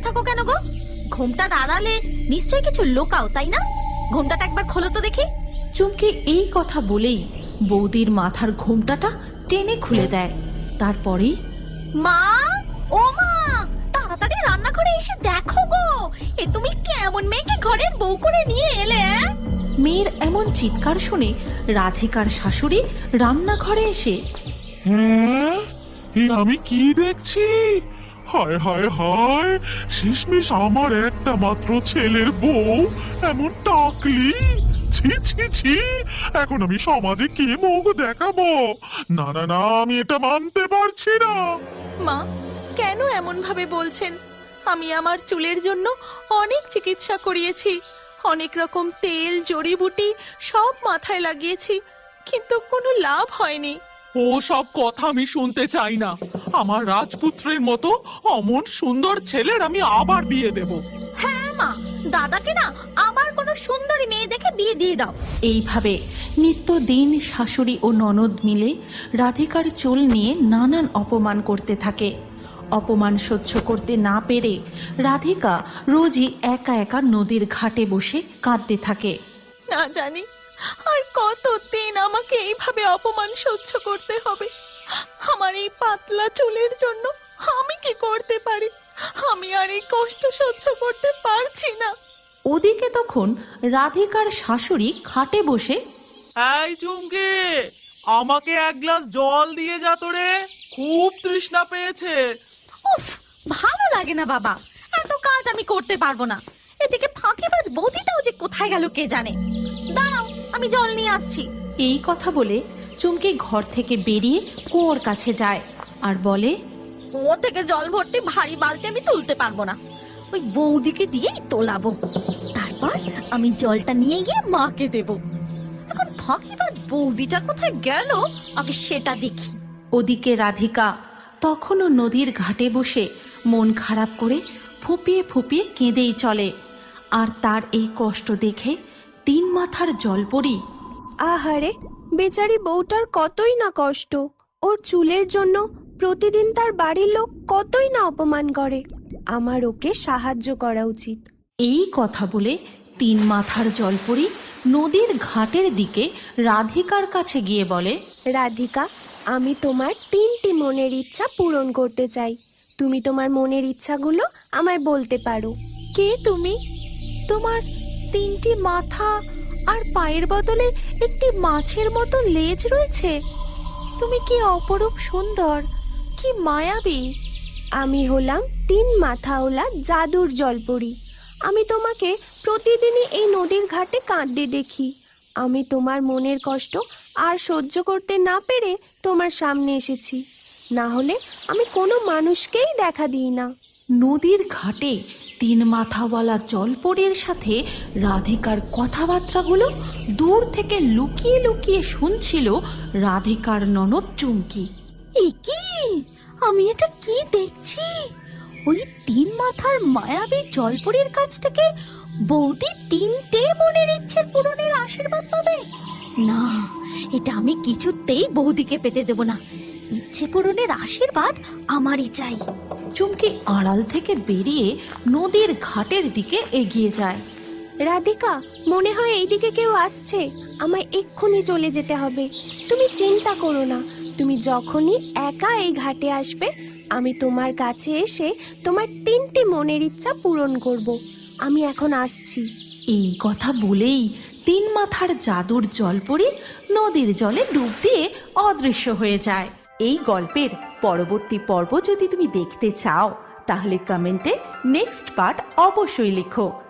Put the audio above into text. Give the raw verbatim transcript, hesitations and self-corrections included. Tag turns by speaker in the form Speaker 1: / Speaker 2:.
Speaker 1: থাকো কেন গো? ঘোমটার আড়ালে নিশ্চয়ই কিছু লোকাও, তাই না? ঘোমটাটা একবার খোলো তো দেখি।
Speaker 2: চুমকি এই কথা বলেই বৌদির মাথার ঘোমটাটা টেনে খুলে দেয়। তারপরেই
Speaker 1: মা, ও মা, তাড়াতাড়ি রান্নাঘরে এসে দেখো গো, এ তুমি কেমন মেয়েকে ঘরের বউ করে নিয়ে এলে?
Speaker 2: মেয়ের এমন চিৎকার শুনে রাধিকার শাশুড়ি রান্নাঘরে এসে,
Speaker 3: হ্যাঁ, এ আমি কি দেখছি? হায় হায় হায়, শেষমেশ আমার একটা মাত্র ছেলের বউ এমন টাকলি! ছি ছি ছি, এখন আমি সমাজে কি মুখ দেখাবো? না না না, আমি এটা মানতে পারছি না।
Speaker 2: মা কেন এমন ভাবে বলছেন? আমি আমার চুলের জন্য অনেক চিকিৎসা করিয়েছি, অনেক রকম তেল জড়িবুটি সব মাথায় লাগিয়েছি, কিন্তু কোনো লাভ হয়নি।
Speaker 4: ও সব কথা আমি শুনতে চাই না। আমার রাজপুত্রের মতো অমন সুন্দর ছেলের আমি আবার বিয়ে দেব।
Speaker 1: হ্যাঁ মা, দাদাকে না আবার কোনো সুন্দরী মেয়ে দেখে বিয়ে দিয়ে দাও।
Speaker 2: এইভাবে নিত্যদিন শাশুড়ি ও ননদ মিলে রাধিকার চুল নিয়ে নানান অপমান করতে থাকে। অপমান সহ্য করতে না পেরে রাধিকা রোজই একা একা নদীর ঘাটে বসে কাঁদতে থাকে। না জানি আর কতদিন আমাকে এইভাবে অপমান সহ্য করতে হবে। আমার এই পাতলা চুলের জন্য আমি কি করতে পারি? আমি আর এই কষ্ট সহ্য করতে পারছি না। ওদিকে তখন রাধিকার শাশুড়ি খাটে বসে,
Speaker 4: এই চুমকি, আমাকে এক গ্লাস জল দিয়ে যা তো রে, খুব তৃষ্ণা পেয়েছে।
Speaker 1: উফ, ভালো লাগে না বাবা, এত কাজ আমি করতে পারবো না। এদিকে ফাঁকিবাজ বৌদিটাও যে কোথায় গেল কে জানে। দাঁড়াও, আমি জল নিয়ে আসছি।
Speaker 2: এই কথা বলে চুমকি ঘর থেকে বেরিয়ে কুয়োর কাছে যায় আর বলে,
Speaker 1: কুয়ো থেকে জল ভর্তি ভারী বালতি আমি তুলতে পারবো না, ওই বৌদিকে দিয়েই তোলাবো। তারপর আমি জলটা নিয়ে গিয়ে মাকে দেব। এখন ফাঁকিবাজ বৌদিটা কোথায় গেল আগে সেটা দেখি।
Speaker 2: ওদিকে রাধিকা তখনও নদীর ঘাটে বসে মন খারাপ করে ফুপিয়ে ফুপিয়ে কেঁদেই চলে। আর তার এই কষ্ট দেখে তিন মাথার জলপরি,
Speaker 5: আহারে, বেচারি বউটার কতই না কষ্ট। ওর চুলের জন্য প্রতিদিন তার বাড়ির লোক কতই না অপমান করে। আমার ওকে সাহায্য করা উচিত।
Speaker 2: এই কথা বলে তিন মাথার জলপরি নদীর ঘাটের দিকে রাধিকার কাছে গিয়ে বলে,
Speaker 5: রাধিকা, আমি তোমার তিনটি মনের ইচ্ছা পূরণ করতে চাই। তুমি তোমার মনের ইচ্ছাগুলো আমায় বলতে পারো।
Speaker 2: কে তুমি? তোমার তিনটি মাথা আর পায়ের বদলে একটি মাছের মতো লেজ রয়েছে। তুমি কি অপরূপ সুন্দর, কি মায়াবী!
Speaker 5: আমি হলাম তিন মাথাওয়ালা জাদুর জলপরি। আমি তোমাকে প্রতিদিনই এই নদীর ঘাটে কাঁদতে দেখি। আমি তোমার মনের কষ্ট আর সহ্য করতে না পেরে তোমার সামনে এসেছি। না হলে আমি কোনো মানুষকেই দেখা দিই না।
Speaker 2: নদীর ঘাটে তিন মাথাওয়ালা জলপরীর সাথে রাধিকার কথাবার্তাগুলো দূর থেকে লুকিয়ে লুকিয়ে শুনছিল রাধিকার ননদ চুমকি।
Speaker 1: এ কি, আমি এটা কি দেখছি? ওই তিন মাথার মায়াবী জলপরীর কাছ থেকে বৌদি তিনটে মনের ইচ্ছের পূরণের আশীর্বাদ পাবে? না, এটা আমি কিছুতেই বৌদিকে পেতে দেব না। ইচ্ছে পূরণের আশীর্বাদ আমারই চাই।
Speaker 2: চুমকি আড়াল থেকে বেরিয়ে নদীর ঘাটের দিকে এগিয়ে যায়।
Speaker 5: রাধিকা, মনে হয় এইদিকে কেউ আসছে। আমায় এক্ষুনি চলে যেতে হবে। তুমি চিন্তা করো না, তুমি যখনই একা এই ঘাটে আসবে আমি তোমার কাছে এসে তোমার তিনটি মনের ইচ্ছা পূরণ করব। আমি এখন আসছি।
Speaker 2: এই কথা বলেই তিন মাথার জাদুর জলপরি নদীর জলে ডুব দিয়ে অদৃশ্য হয়ে যায়। এই গল্পের পরবর্তী পর্ব যদি তুমি দেখতে চাও তাহলে কমেন্টে নেক্সট পার্ট অবশ্যই লিখো।